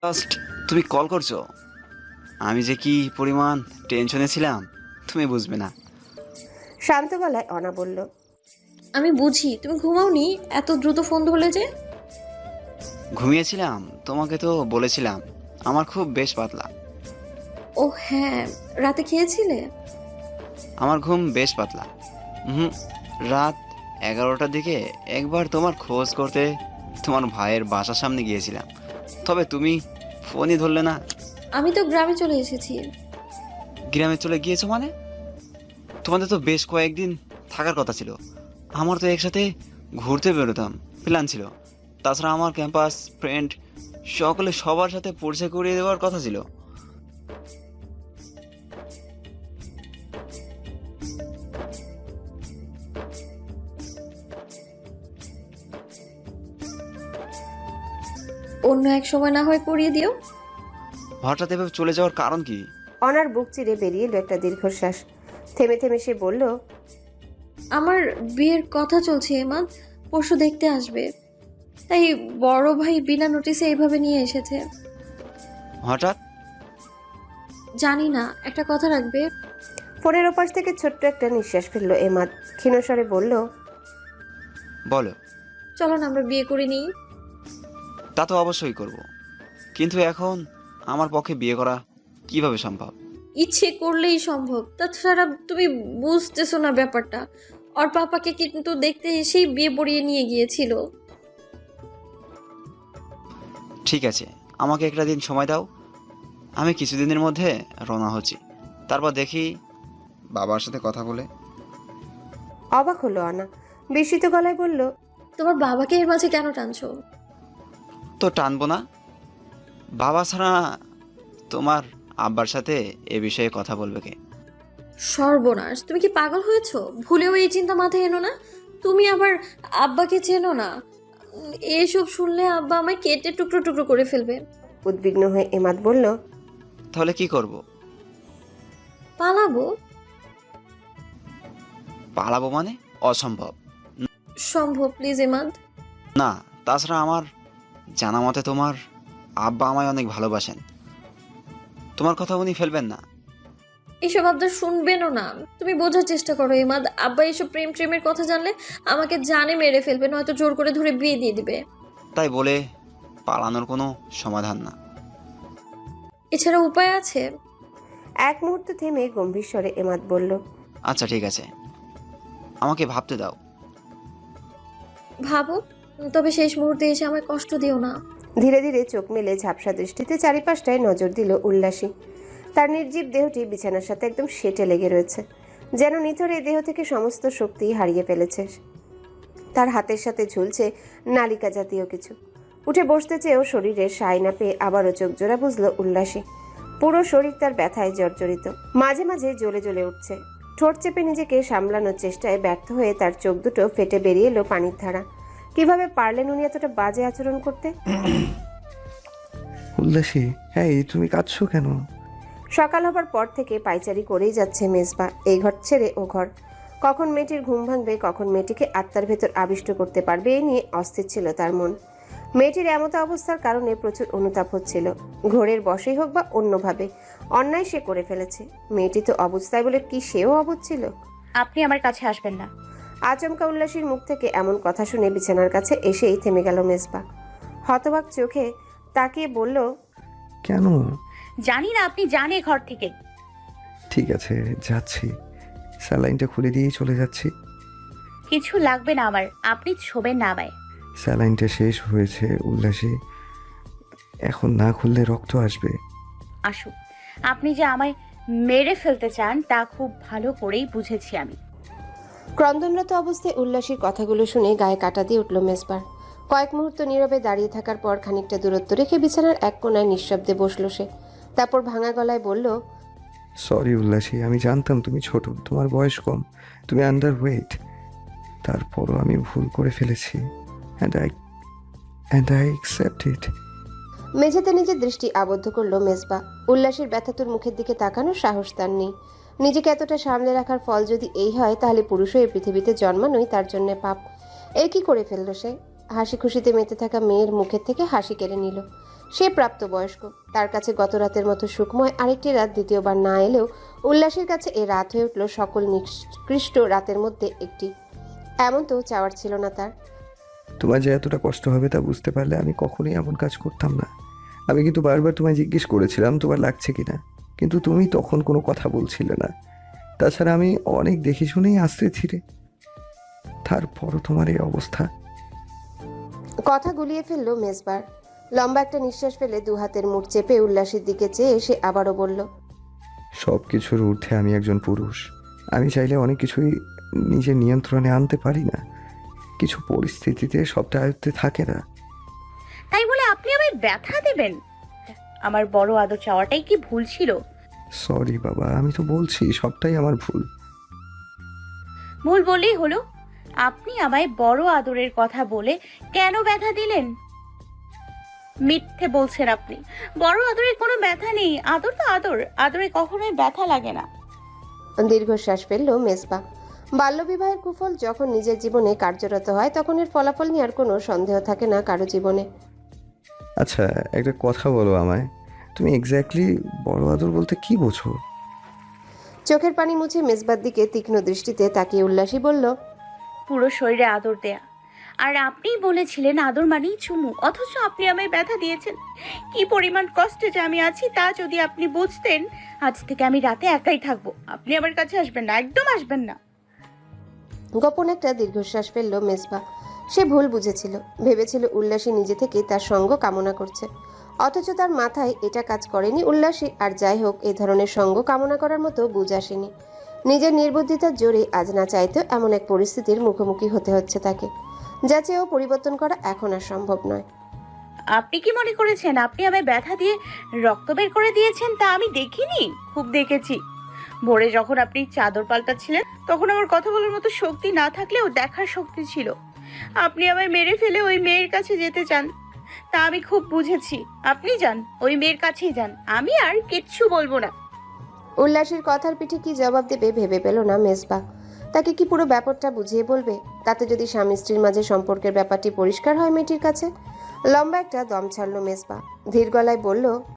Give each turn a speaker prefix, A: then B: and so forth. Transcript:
A: Just তুমি call করছো, আমি যে কি পরিমাণ টেনশনে ছিলাম তুমি বুঝবে না।
B: শান্ত গলায় অনা বলল।
C: আমি বুঝি তুমি ঘুমাওনি, এত দ্রুত ফোন ধরলে যে।
A: ঘুমিয়েছিলাম, তোমাকে তো বলেছিলাম আমার খুব বেশ পাতলা।
C: ও হ্যাঁ, রাতে খেয়েছিলে?
A: আমার ঘুম বেশ পাতলা। হুম। রাত 11টার দিকে একবার তোমার খোঁজ করতে তোমার ভাইয়ের বাসার সামনে গিয়েছিলাম, তবে তুমি ফোনই ধরলে না।
C: আমি তো গ্রামে চলে এসেছি।
A: গ্রামে চলে গিয়েছো মানে? তোমাদের তো বেশ কয়েকদিন থাকার কথা ছিল। আমার তো একসাথে ঘুরতে বেরোতাম প্ল্যান ছিল। তাছাড়া আমার ক্যাম্পাস ফ্রেন্ড সকলে সবার সাথে পরিচয় করিয়ে দেওয়ার কথা ছিল।
C: অন্য এক সময় না হয় করিয়ে দিও।
A: হঠাৎ এভাবে চলে যাওয়ার কারণ কি?
B: অনার বুক চিরে বেরিয়ে এলো একটা দীর্ঘশ্বাস। থেমে থেমে সে বলল।
C: আমার বিয়ের কথা চলছে এমাদ, পরশু দেখতে আসবে, তাই বড় ভাই বিনা নোটিসে এইভাবে নিয়ে এসেছে।
A: হঠাৎ?
C: জানি না, একটা কথা রাখবে?
B: ফোনের ওপাশ থেকে ছোট্ট একটা নিঃশ্বাস ফেললো এমাদ। ক্ষীণস্বরে বলল।
A: বলো।
C: চলো না আমরা বিয়ে করে নিই।
A: তা তো অবশ্যই করব, কিন্তু এখন আমার পক্ষে বিয়ে করা কিভাবে সম্ভব?
C: ইচ্ছে করলেই সম্ভব, তাছাড়া তুমি বুঝতেছো না ব্যাপারটা। ওর পাপাকে কিন্তু দেখতে এসেই বিয়ে পড়িয়ে নিয়ে গিয়েছিল।
A: ঠিক আছে, আমাকে একটা দিন সময় দাও, আমি কিছুদিনের মধ্যে রওনা হচ্ছি। তারপর দেখি বাবার সাথে কথা বলে।
B: অবাক হলো অনা, বিস্মিত গলায় বলল।
C: তোমার বাবাকে এর মাঝে কেন টানছো?
A: তো টানবো না, বাবা ছাড়া তোমার আব্বার সাথে এ বিষয়ে কথা বলবে কে?
C: সর্বনাশ, তুমি কি পাগল হয়েছো? ভুলেও এই চিন্তা মাথায় এনো না। তুমি আবার আব্বাকে চেনো না। এসব শুনলে আব্বা আমায় কেটে টুকরো টুকরো করে ফেলবে।
B: উদ্বিগ্ন হয়ে এমাদ বলল।
A: তাহলে কি করব?
C: পালাবো।
A: পালাবো মানে? অসম্ভব।
C: সম্ভব, প্লিজ এমাদ।
A: না, তাছাড়া আমার জানা মতে তোমার আব্বা আমায় অনেক ভালোবাসেন, তোমার কথা উনি ফেলবেন না।
C: এসব আবদার শুনবেনও না। তুমি বোঝার চেষ্টা করো এমাদ, আব্বা এসব প্রেম প্রেমের কথা জানলে আমাকে জানে মেরে ফেলবে, নয়তো জোর করে ধরে বিয়ে দিয়ে দিবে।
A: তাই বলে পালানোর কোনো সমাধান না।
C: এছাড়া উপায় আছে?
B: এক মুহূর্ত থেমে গম্ভীর স্বরে এমাদ বলল।
A: আচ্ছা ঠিক আছে, আমাকে ভাবতে দাও।
C: ভাবো, তবে শেষ মুহূর্তে এসে আমায় কষ্ট দিও না।
B: ধীরে ধীরে চোখ মেলে ঝাপসা দৃষ্টিতে চারিপাশটায় নজর দিল উল্লাসী। তার নির্জীব দেহটি বিছানার সাথে একদম সেটে লেগে রয়েছে, যেন নিথরে দেহ থেকে সমস্ত শক্তি হারিয়ে ফেলেছে। তার হাতের সাথে ঝুলছে নালিকা জাতীয় কিছু। উঠে বসতে চেয়েও শরীরের সায় না পেয়ে আবারও চোখ জোড়া বুঝল উল্লাসী। পুরো শরীর তার ব্যথায় জর্জরিত, মাঝে মাঝে জ্বলে জ্বলে উঠছে। ঠোঁট চেপে নিজেকে সামলানোর চেষ্টায় ব্যর্থ হয়ে তার চোখ দুটো ফেটে বেরিয়ে এলো পানির ধারা। কিভাবে পারলেন উনি এতটা বাজে আচরণ করতে?
D: উল্লাসী, হ্যাঁ তুমি কাঁদছো কেন?
B: সকাল হবার পর থেকে পাইচারি করেই যাচ্ছে মেজবা, এই ঘর ছেড়ে ও ঘর। কখন মেয়েটির ঘুম ভাঙবে, কখন মেয়েটিকে আত্মার ভেতর আবিষ্ট করতে পারবে, এই নিয়ে অস্থির ছিল তার মন। মেয়েটির এমতো অবস্থার কারণে প্রচুর অনুতাপ হচ্ছিল। ঘোরের বশেই হোক বা অন্যভাবে অন্যায় সে করে ফেলেছে। মেয়েটি তো অবুঝ, তাই বলে কি সেও অবুঝ ছিল?
E: আপনি আমার কাছে আসবেন না।
B: আচমকা উল্লাসীর মুখ থেকে এমন কথা শুনে বিছানার কাছে এসেই থেমে গেল মেজবা। হতবাক চোখে তাকিয়ে বলল।
D: কেন?
E: জানি না, আপনি জানে ঘর থেকে।
D: ঠিক আছে, যাচ্ছি, স্যালাইনটা খুলে দিয়েই চলে যাচ্ছি।
E: কিছু লাগবে না আমার, আপনি ছোবেন না আমায়।
D: স্যালাইনটা শেষ হয়েছে উল্লাসী, এখন না খুললে রক্ত আসবে।
E: আসুন, আপনি যে আমায় মেরে ফেলতে চান তা খুব ভালো করেই বুঝেছি আমি।
B: ক্রন্দনরত অবস্থায় উল্লাসীর কথাগুলো শুনে গায়ে কাটা দিয়ে উঠল মেজবার। কয়েক মুহূর্ত নীরবে দাঁড়িয়ে থাকার পর খানিকটা দূরত্ব রেখে বিছানার এক কোণায় নিঃশব্দে বসল সে। তারপর ভাঙা গলায় বলল।
D: সরি উল্লাসী, আমি জানতাম তুমি ছোট, তোমার বয়স কম, তুমি আন্ডার ওয়েট। তারপরও আমি ভুল করে ফেলেছি, অ্যান্ড আই অ্যাকসেপ্ট ইট।
B: মেঝেতে নিজের দৃষ্টি আবদ্ধ করল মেজবা। উল্লাসীর ব্যথাতুর মুখের দিকে তাকানোর সাহস তার নেই। নিজেকে এতটা সামলে রাখার ফল যদি এই হয়, তাহলে পুরুষও এই পৃথিবীতে জন্মানোই তার জন্য পাপ। এই কি করে ফেলল সে? হাসি খুশিতে মেতে থাকা মেয়ের মুখের থেকে হাসি কেড়ে নিল। সে প্রাপ্তবয়স্ক, তার কাছে গত রাতের মতো সুখময় আরেকটি রাত দ্বিতীয়বার না এলেও উল্লাসীর কাছে এ রাত হয়ে উঠল সকল নিকৃষ্ট রাতের মধ্যে একটি। এমন তো চাওয়ার ছিল না তার।
D: তোমার যে এতটা কষ্ট হবে তা বুঝতে পারলে আমি কখনোই এমন কাজ করতাম না। আমি কিন্তু বারবার তোমায় জিজ্ঞেস করেছিলাম তোমার লাগছে কিনা, কিন্তু তুমি তখন কোনো কথা বলছিলে না। তাছাড়া আমি অনেক দেখে শুনেই আসতে ছিলে, তারপরও তোমার এই অবস্থা।
B: কথা গুলিয়ে ফেলল মেজবার। লম্বা একটা নিঃশ্বাস ফেলে দু হাতের মুঠ চেপে উল্লাসীর দিকে চেয়ে সে আবারও বলল,
D: সব কিছুর ঊর্ধ্বে আমি একজন পুরুষ। আমি চাইলে অনেক কিছুই নিজের নিয়ন্ত্রণে আনতে পারি না, কিছু পরিস্থিতিতে সবটা আয়ত্তে থাকে না।
E: তাই বলে আপনি আমায় ব্যথা দেবেন? আমার বড় আদর চাওয়াটাই কি ভুল ছিল?
D: সরি বাবা, আমি তো বলছি সবটাই আমার ভুল।
E: ভুল বললেই হলো। আপনি আমায় বড় আদরের কথা বলে কেন ব্যথা দিলেন? মিথ্যে বলছেন আপনি। বড় আদরের কোনো ব্যথা নেই। আদর তো আদর, আদরে কখনোই ব্যথা লাগে না।
B: দীর্ঘশ্বাস ফেলল মেজবা। বাল্যবিবাহের কুফল যখন নিজের জীবনে কার্যরত হয় তখন এর ফলাফল নিয়ে আর কোনো সন্দেহ থাকে না কারো জীবনে।
D: আচ্ছা, একটা কথা বলো আমায়, তুমি এক্স্যাক্টলি বড় আদর বলতে কি বোঝো?
B: চোখের পানি মুছে মেজবার দিকে তীক্ষ্ণ দৃষ্টিতে তাকিয়ে উল্লাসী বলল,
E: পুরো শরীরে আদর দেয়া। আর আপনিই বলেছিলেন আদর মানেই চুমু, অথচ আপনি আমায় ব্যথা দিয়েছেন। কি পরিমাণ কষ্টে যে আমি আছি তা যদি আপনি বুঝতেন। আজ থেকে আমি রাতে একাই থাকবো। আপনি আমার কাছে আসবেন না, একদম আসবেন না।
B: গোপন একটা দীর্ঘশ্বাস ফেলল মেজবা। সে ভুল বুঝেছিল, ভেবেছিল উল্লাসী নিজে থেকেই তার সঙ্গ কামনা করছে, অথচ তার মাথায় এটা কাজ করেনি উল্লাসী। আর যাই হোক, এই ধরনের সঙ্গ কামনা করার মতো বুঝ আসেনি। নিজের নির্বুদ্ধিতার জোরে আজ না চাইতেও এমন এক পরিস্থিতির মুখোমুখি হতে হচ্ছে তাকে, যা চেয়েও পরিবর্তন করা এখন আর সম্ভব নয়।
E: আপনি কি মনে করেছেন আপনি আমায় ব্যথা দিয়ে রক্ত বের করে দিয়েছেন? তা আমি দেখিনি, খুব দেখেছি। ভোরে যখন আপনি চাদর পাল্টাচ্ছিলেন তখন আমার কথা বলার মতো শক্তি না থাকলেও দেখার শক্তি ছিল। আপনি আমায় মেরে ফেলে ওই মেয়ের কাছে যেতে চান, তা আমি খুব বুঝেছি। আপনি যান, ওই মেয়ের কাছেই যান, আমি আর কিচ্ছু বলবো না।
B: উল্লাসীর কথার পিঠে কি জবাব দেবে ভেবে পেল না মেজবা। তাকে কি পুরো ব্যাপারটা বুঝিয়ে বলবে? তাতে যদি স্বামী স্ত্রীর মাঝে সম্পর্কের ব্যাপারটি পরিষ্কার হয় মেয়েটির কাছে। লম্বা একটা দম ছাড়ল মেজবা, ধীর গলায় বলল,